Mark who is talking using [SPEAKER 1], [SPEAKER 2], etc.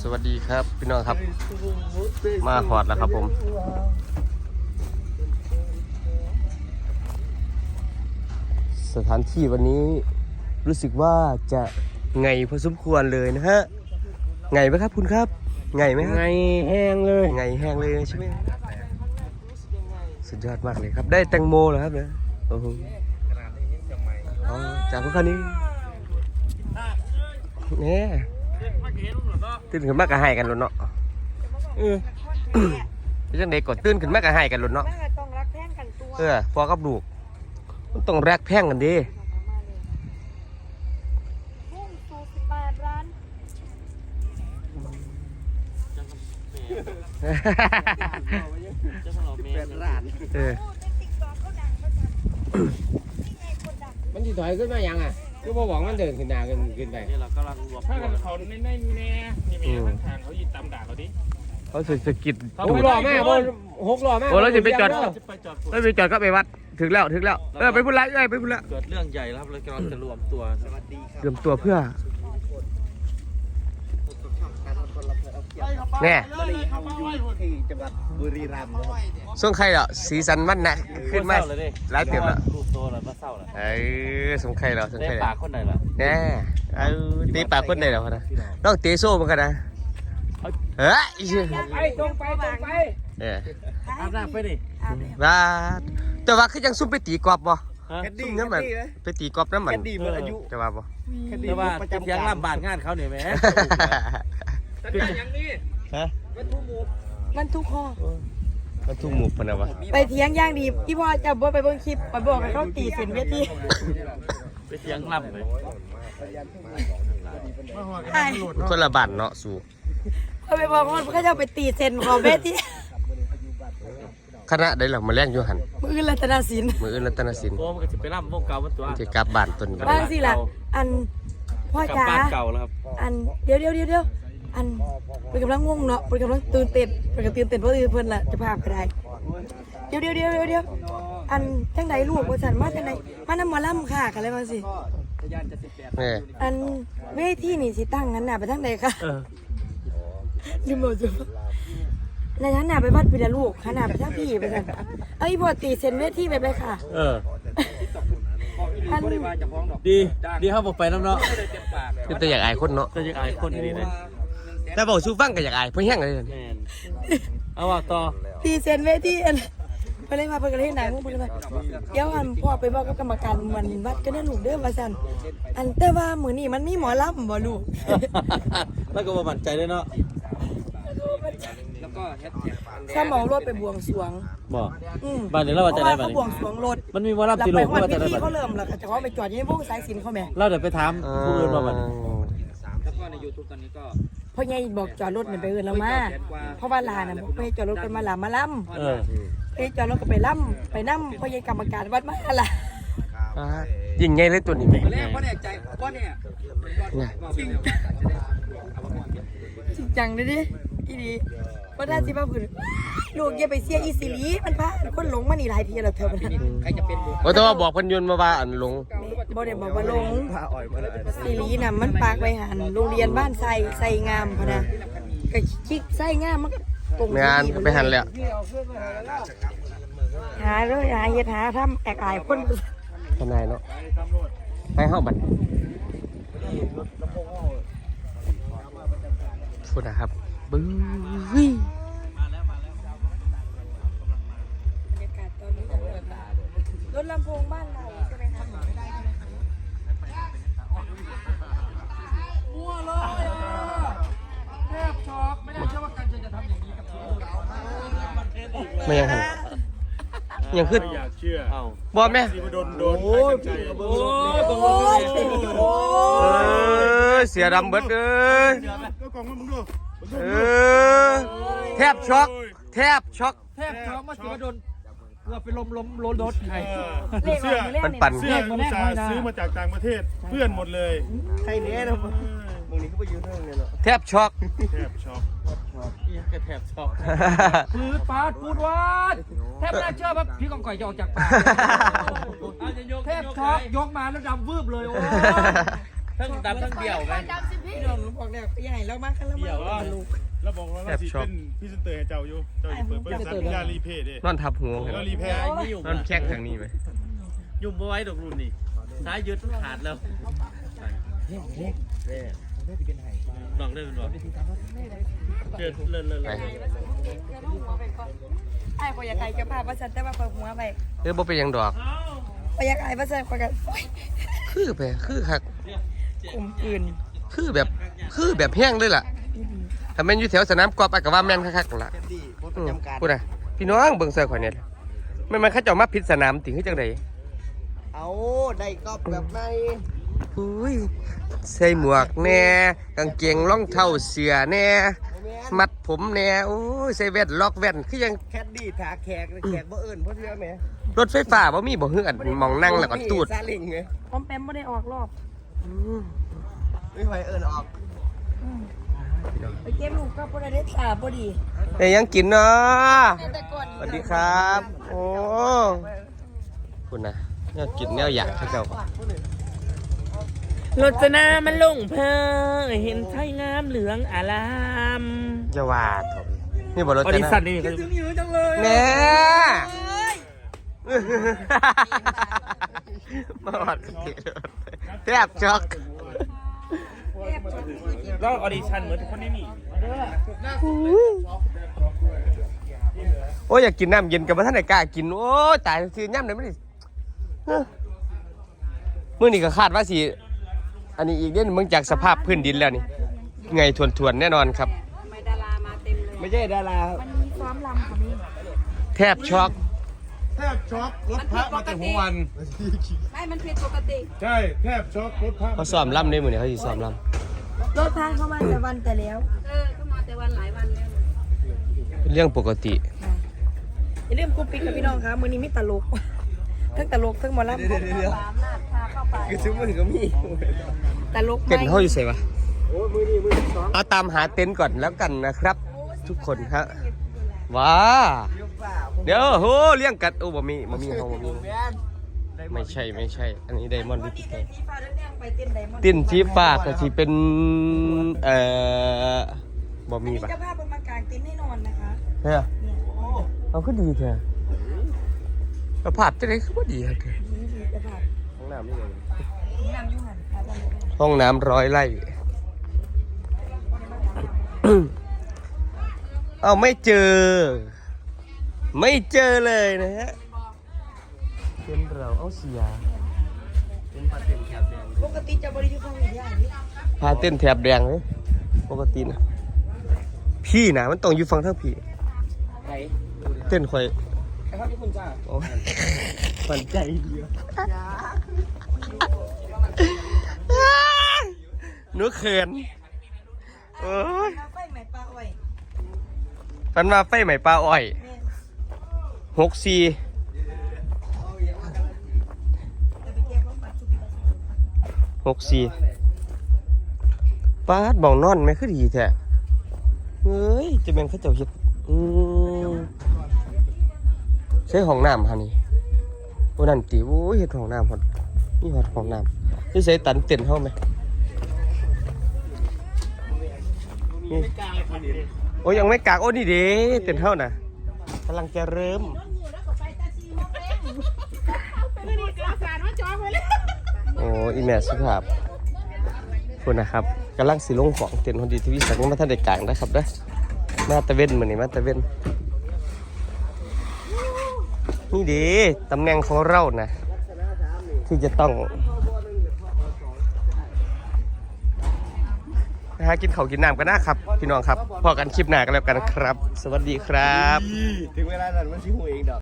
[SPEAKER 1] วัสดีครับพี่น้องครับมาหอดแล้วครับผมสถานที่วันนี้รู้สึกว่าจะไงพอสมควรเลยนะฮะไงไหมครับคุณครับไงไหมไงแห้งเลยไงแห้งเลยใช่ไหมสุดยอดมากเลยครับได้แตงโมเหรอครับเนี่ยโอ้โหจากพวกเขานี้เนี่ยตื่นขึ้นมากกะให้กันหลุดเนาะเป็นจังเด็กกดตื่นขึ้นมากกะให้กันหลุดเนาะต้องรักแพงกันตัวพอกับลูกต้องรักแพงกันดิ
[SPEAKER 2] มันจะถอยขึ้นมายังอ่ะก็บอกว่ามันเดินขึ้นหน้าขึ้นไป
[SPEAKER 3] นี่เรากำลังรวบถ้ากันเขาในแน่นี่แม่ทางทางเขายิงตามด่าเราดิ
[SPEAKER 1] เขาสะกิด
[SPEAKER 2] หกล้อแม่หกล้อแม่
[SPEAKER 1] โอ้เราจะไปจอดก็ไปวัดถึงแล้วไปพูดไรไปพูดละ
[SPEAKER 3] เกิดเรื่องใหญ่แล้วครับเรากำลังจะรวมตัวสวัสดีครับ
[SPEAKER 1] รวมตัวเพื่อเนี่ย
[SPEAKER 4] ที่จังหวัดบุรีรัมย์
[SPEAKER 1] ส่งใครเหรอสีสันมันนะขึ้นมาหลายเต็มแล้ว
[SPEAKER 3] รูปโตแล้วมาเศร้าแล้ว
[SPEAKER 1] ส่งใครเหรอส่งใคร
[SPEAKER 3] ปากคนไหนล่ะ
[SPEAKER 1] แน่ตีปากคนไหนเหรอนะน้องตีโซ่เหมือนกันนะเฮ้ย
[SPEAKER 2] ไปตรงไป
[SPEAKER 3] อาบน้ำไปดิ
[SPEAKER 1] ว่าแต่ว่าคือยังซุ่มไปตีกอบบ่ซุ่มน้ำมันไปตีกอบน้ำมันจะว่าบ่
[SPEAKER 3] แต่ว่าเสียงลำบากงานเขาเนี่ยแม่
[SPEAKER 2] แต่อย่างนี้
[SPEAKER 1] ฮะ
[SPEAKER 5] มันทุกข้อ
[SPEAKER 1] มันทุ่งหมูพนะวะ
[SPEAKER 5] ไปเถียงย่างดีพี่พ่อจะบ่ไปเบิ่งคลิปไปบอกให้เขาตีเส้นเวที
[SPEAKER 3] ไปเสียงลำเลย
[SPEAKER 1] คนละบ้านเนาะสู่
[SPEAKER 5] เขาไปบอกว่าเขาจะไปตีเส้นของเวที
[SPEAKER 1] คณะได้หรอมาแล่นอยู่หัน
[SPEAKER 5] มือรัตนศิลป์
[SPEAKER 1] โอ้
[SPEAKER 3] มันก็จะไปล่ำวงเก่ามันตัว
[SPEAKER 1] จะกลับบ้านตน
[SPEAKER 5] บ้านสิล่ะอันพ่อจ๋า
[SPEAKER 3] เก่าแล้วครับ
[SPEAKER 5] อันเดี๋ยวอันเป็นกำลังง่วงเนาะเป็นกำลังตื่นเต้นเพราะเพื่อนล่ะจะพาไปได้เดี๋ยวอันจังใดลูกว่าฉันมาจังใดมานำหมอลำค่ะกันเลยมาสิอันเวทีนี่สิตั้งงั้นน่ะไปทางใดคะลืมบอกจ้ะในชั้นน่ะไปวัดปีละลูกขนาดไปทางพี่ไปกันเอ้ยพอตีเซ็นเวทีไปเลยค่ะ
[SPEAKER 3] ดีครับผมไปน้ำเนาะ
[SPEAKER 1] แต่อยากอายคนเนาะ
[SPEAKER 3] จะอยากอายคนนี่เลย
[SPEAKER 1] แต่บอกสู้ฟังก็อยากอายเพื่อแห้งเลย
[SPEAKER 3] เอาว่าต่อ
[SPEAKER 5] ตีเซ็นเวทีไปเลยมาไปกันเลยไหนมึงไปเลยเดี๋ยวอันพ่อไปบอกกับกรรมการวันวัดก็ได้ลูกเด้อว่าซั่นอันแต่ว่ามื้อนี้มันมีหมอลำบ่ลูก
[SPEAKER 3] แล้วก็บ่มั่นใจด้วยเนาะ
[SPEAKER 5] แล้วก็แฮชแท็กสมองรถไปบวงสรวง
[SPEAKER 3] บ่บ้านนี้เราว่าจะได้บ้านนี้
[SPEAKER 5] บวงสรวงรถ
[SPEAKER 3] มันมีหมอลำที่โลก
[SPEAKER 5] ว่าจะได้บ้านเขาเริ่มแล้วจะเขาไปจอดอยู่ในวงสายสิญจน์เขาแม่
[SPEAKER 3] เราเดี๋ยวไปถามผู้อื่นว่าบัด
[SPEAKER 4] แล้วก็ใน YouTube ตอนนี้ก็
[SPEAKER 5] พ่อใหญ่บอกจอดรถเนี่ยไปอื่นแล้วมาเพราะว่าลาน่ะบอกไปจอดรถกันมาลามาล่ำไปจอดรถก็ไปล่ำไปนั่มพ่อใหญ่กรรมการวัดมาล่ะ
[SPEAKER 1] ยิงไงเลยตัวนี้
[SPEAKER 4] แรกพ่อเนี่ยใจพ่อเนี่ย
[SPEAKER 5] จริงจังเลยดิอีดีว่าได้สิบ้าผืนลูกอย่าไปเสียอีสิลีมันพาคนหลงมานี่หลายทีแล้วเธอมัน
[SPEAKER 4] ใครจะเป็น
[SPEAKER 1] แต่ว่าบอกพันยนต์มาว่าอันหลง
[SPEAKER 5] บ่ได้บอกว่าหลงสิลีน่ะมันปากไปหันโรงเรียนบ้านใส่งามพะนะก็ชิกใส่งามมันตรง
[SPEAKER 1] งานไปหันเลย
[SPEAKER 5] หาเลยหาเฮ็ดหาทำแอกอายคน
[SPEAKER 1] ทนายเนาะให้เข้าบัตรพูดนะครับบึ้ย
[SPEAKER 5] รถลำโพงบ้านเราใช่ไหมคะ
[SPEAKER 2] มั่วเลยแทบช็อกไม่ได้เชื่อว่าการจะทำอย่างนี้กับผม
[SPEAKER 1] ไม่ยังหันยังขึ้น
[SPEAKER 3] อยากเชื่อเอา
[SPEAKER 1] บอลไหม
[SPEAKER 3] โอ้
[SPEAKER 1] ยเสียดำเบิดเลยแทบช็อก
[SPEAKER 2] มาสิมาโดนเราไปล้มรถใคร
[SPEAKER 1] เสื้อมันปั่น
[SPEAKER 3] เสื้อซื้อมาจากต่างประเทศเพื่อนหมดเลย
[SPEAKER 4] ใครเนี้ยนะมึงนี่เขาไปยืนเรื่องเนี่ยหรอ
[SPEAKER 1] แทบช็อก
[SPEAKER 2] ปืดปาดปูดวาดแทบไม่น่าเชื่อว่าพี่กองก่อยจะออกจากป่าแทบช็อกยกมาแล้วดำวืบเลยโอ้
[SPEAKER 4] ทั้งดำทั้งเดี่ยวไหม
[SPEAKER 5] พี่น้องบอกแล้วใหญ่แล้วมากกันแล้วมาลูก
[SPEAKER 3] เราบอกว่าเราสิเป็นพรีเซนเตอร์ให้เจ้าอยู่เจ้าอยู่เปิดบริษัทยารีเพย์ดิ
[SPEAKER 1] นอนทับหัว
[SPEAKER 3] ยารีเพย์
[SPEAKER 1] นอนแข้งทางนี้ไหม
[SPEAKER 4] ยุ่งบ่ไว้ดอกรุ่นนี่สายยืดขาดแล้วลองได้เป็นบ่เลิศ
[SPEAKER 1] ไป
[SPEAKER 5] ไอ้พอยากไก่จะพาประชันแต่ว่าเปิดหัวไป
[SPEAKER 1] บ่เป็นหยังดอก
[SPEAKER 5] พอยากไก่ประชันคอยกัน
[SPEAKER 1] คือไปคือคัก
[SPEAKER 5] กลมกลืน
[SPEAKER 1] คือแบบแห้งเลยล่ะถ้าแม่นอยู่แถวสนามกอล์ฟก็ว่าแม่นคักๆนั่นล่ะพูดน่ะพี่น้องเบิ่งเสื้อข่อยเนี่ยมันเขาเจ้ามาผิดสนามติคือจังได๋
[SPEAKER 4] เอาได้ก็แบบใน
[SPEAKER 1] อุ้ยใส่หมวกแน่กางเกงรองเท้าเสื้อแน่มัดผมแน่โอ้ยใส่แว่นล็อกแว่นคือยัง
[SPEAKER 4] แคดดี้ถาแขกบ่เอิ้นเพราะเชื่อไหม
[SPEAKER 1] รถไฟฟ้าบ่มีบ่ฮืออันมองนั่งแล้วก็ตูด
[SPEAKER 4] ซาเล้งไง
[SPEAKER 5] พร้อมแปมไม่ได้ออกรอบ
[SPEAKER 4] ไม่ไหวเอิ้นออก
[SPEAKER 5] ไปเก็บลูกก็พอได้ตาพอดี
[SPEAKER 1] แต่ยังกินเนาะ
[SPEAKER 5] แต่ก่อน
[SPEAKER 1] สวัสดีครับ โอ้คุณนะแนวกินแนวอยากเขาเจ้าร
[SPEAKER 3] ถนามันลงเพอเห็นไทยงามเหลืองอาราม
[SPEAKER 1] จะว่าเถอะนี่บ่รถ
[SPEAKER 3] ออ
[SPEAKER 1] จะ
[SPEAKER 3] ดิ
[SPEAKER 1] นะ
[SPEAKER 3] ชั่นนี่
[SPEAKER 4] ถึงอยู่จังเลย
[SPEAKER 1] แน่มาหอดแทบช็อก
[SPEAKER 3] แล้วออดิชั่นเหมือนทุกคนนี่นี่
[SPEAKER 1] โอ้ยอยากกินน้ำเย็นกับว่าท่านไหนกล้ากินโอ้ยตายซื้อย่ำไหนไม่ได้มื้อนี้ก็คาดว่าสิอันนี้อีกเดือนมึงจากสภาพพื้นดินแล้วนี่ไงทวนๆแน่นอนครับ
[SPEAKER 5] ไม่ดารามาเต็มเลย
[SPEAKER 4] ไม่ใช่ดารา
[SPEAKER 5] มันมีซ้อมลำค่ะนี่
[SPEAKER 1] แทบช็อก
[SPEAKER 2] แทบช็อกรถพระมาแต่หัววัน
[SPEAKER 5] ไม่มันผิดปกติ
[SPEAKER 2] ใช่แทบช็อกรถพระ
[SPEAKER 1] เขาซ้อมล่ำได้มื้อนี้เขาสิซ้อมล่
[SPEAKER 5] รถทางเข้ามาแต่วันแต่แล้วเข้ามาแต่วันหลายวันแล้ว
[SPEAKER 1] ำเป็นเรื่องปกติ
[SPEAKER 5] อย่าลืมกูปิดกับพี่น้องครับมื้อนี้มีตลกทั้งตลกทั้งหมอลำ
[SPEAKER 4] เดี๋ยว
[SPEAKER 5] สามนาดพาเข้าไป
[SPEAKER 4] คือซื้อมือก็มี
[SPEAKER 5] ตลก
[SPEAKER 1] เต็นท์เขาอยู่ไสวะ
[SPEAKER 4] โอ้มือนี่มือสอง
[SPEAKER 1] เอาตามหาเต็นท์ก่อนแล้วกันนะครับ ทุกคนครับว้า
[SPEAKER 4] เดี๋ยวป่า
[SPEAKER 1] เดี๋ยวโหเลี้ยงกัดโอ้บ่มีเฮาบ่มีไม่ใช่อันนี้ไดมอนด์ดิจิตอล
[SPEAKER 5] สีฟ้าเรื่องไปเต้นไดมอนด์
[SPEAKER 1] ติ้นสีฟ้าก็สิเป็นบ่มีปะ
[SPEAKER 5] เจ้าภาพเป็นมากางเต็นท์ให้นอนนะคะ
[SPEAKER 1] เฮ้ยเอาคือดีแท้สภาพจังได๋คือบ่ดีแท้
[SPEAKER 5] นี่คือเจ้าภาพ
[SPEAKER 1] ห้องน้ำนี่ไง
[SPEAKER 5] น้ำยุ่งหันครับ
[SPEAKER 1] ห้องน้ำ100 ไร่ เอาไม่เจอเลยนะฮะเป็นเราเอาเสีย
[SPEAKER 5] ปกติจะบริยุทธ์ของอย่างนี้
[SPEAKER 1] พาเต้นแถบแดงเลยปกตินะพี่นะมันต้องอยู่ฝั่งทางพี่
[SPEAKER 4] ไหน
[SPEAKER 1] เต้นค่อย
[SPEAKER 4] ไอ้พ่อที่คุณจ้า
[SPEAKER 1] โอ้มันใจเดียวหนูเขินโอ้ย
[SPEAKER 5] ไฟใหม่ปลาอ้อย
[SPEAKER 1] ฟันมาไฟใหม่ปลาอ้อย
[SPEAKER 5] แม่
[SPEAKER 1] 64
[SPEAKER 5] จะไปแก้ความปัดชุบ
[SPEAKER 1] 64ป้าดบ่องนอนไหมคือดีแท้เฮ้ยจะเป็นเขาเจ้าเฮ็ดใช้ห้องน้ำฮะนี่โอ้นั่นติโอ้ยเฮ็ดห้องน้ำฮอดนี่ฮอดห้องน้ำนี่ใส่ตันเต็นเฮาไหมนี่โอ้ยังไม่กากโอ้นี่เด้เต็นเฮาน่ะกำลังจะเริ่มโอ้อีแม่สุภาพคุณนะครับกำลังสิลงของเต็นท์คนดีที่วิสัยมาท่านเด็กกลางนะครับเด้อมาตะเว้นเหมือนนี่มาตะเว้นนี่ดีตำแหน่งของเรานะที่จะต้องนะฮะกินข้าวกินน้ำกันนะครับพี่น้องครับพอกันคลิปหน้ากันแล้วกันครับ สวัสดีครับ
[SPEAKER 4] ถึงเวลานั้นมันชิหูเองดอก